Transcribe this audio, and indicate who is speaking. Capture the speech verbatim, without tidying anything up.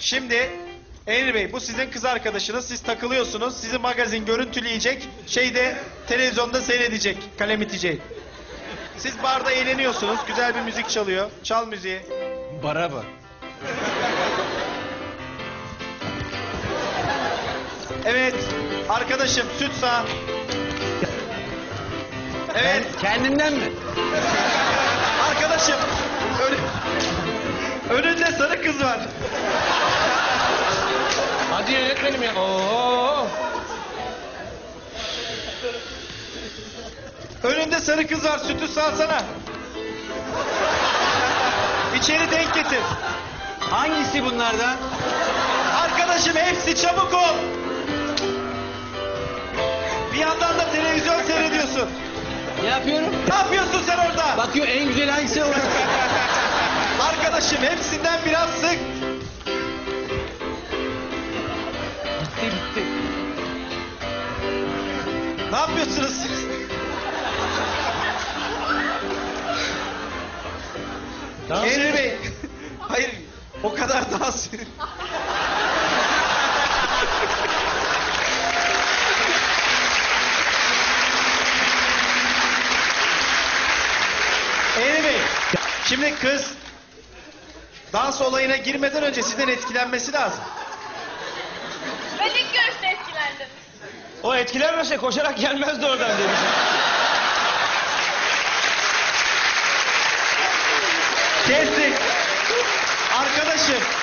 Speaker 1: Şimdi Emre Bey, bu sizin kız arkadaşınız. Siz takılıyorsunuz. Sizi magazin görüntüleyecek. Şeyde televizyonda seyredecek. Kalem itecek. Siz barda eğleniyorsunuz. Güzel bir müzik çalıyor. Çal müziği.
Speaker 2: Bara bak.
Speaker 1: Evet. Arkadaşım süt sağ. Evet.
Speaker 2: Kendinden mi?
Speaker 1: Arkadaşım. Ön... Önünde sarı kız var.
Speaker 2: Hadi yönetmenim ya. Oo.
Speaker 1: Önünde sarı kız var. Sütü sağsana. İçeri denk getir.
Speaker 2: Hangisi bunlardan?
Speaker 1: Arkadaşım hepsi, çabuk ol. Bir yandan da televizyon seyrediyorsun.
Speaker 2: Ne yapıyorum?
Speaker 1: Ne yapıyorsun sen orada?
Speaker 2: Bakıyor en güzel hangisi olur.
Speaker 1: Arkadaşım hepsinden biraz sık.
Speaker 2: Bitti bitti.
Speaker 1: Ne yapıyorsunuz siz?
Speaker 2: Tamam.
Speaker 1: Emre Bey. Hayır, o kadar dans. Emre Bey, şimdi kız dans olayına girmeden önce sizden etkilenmesi lazım.
Speaker 3: Ben ilk görüşte etkilendim.
Speaker 2: O etkilenmese koşarak gelmezdi oradan demiş.
Speaker 1: Kestik. Arkadaşım,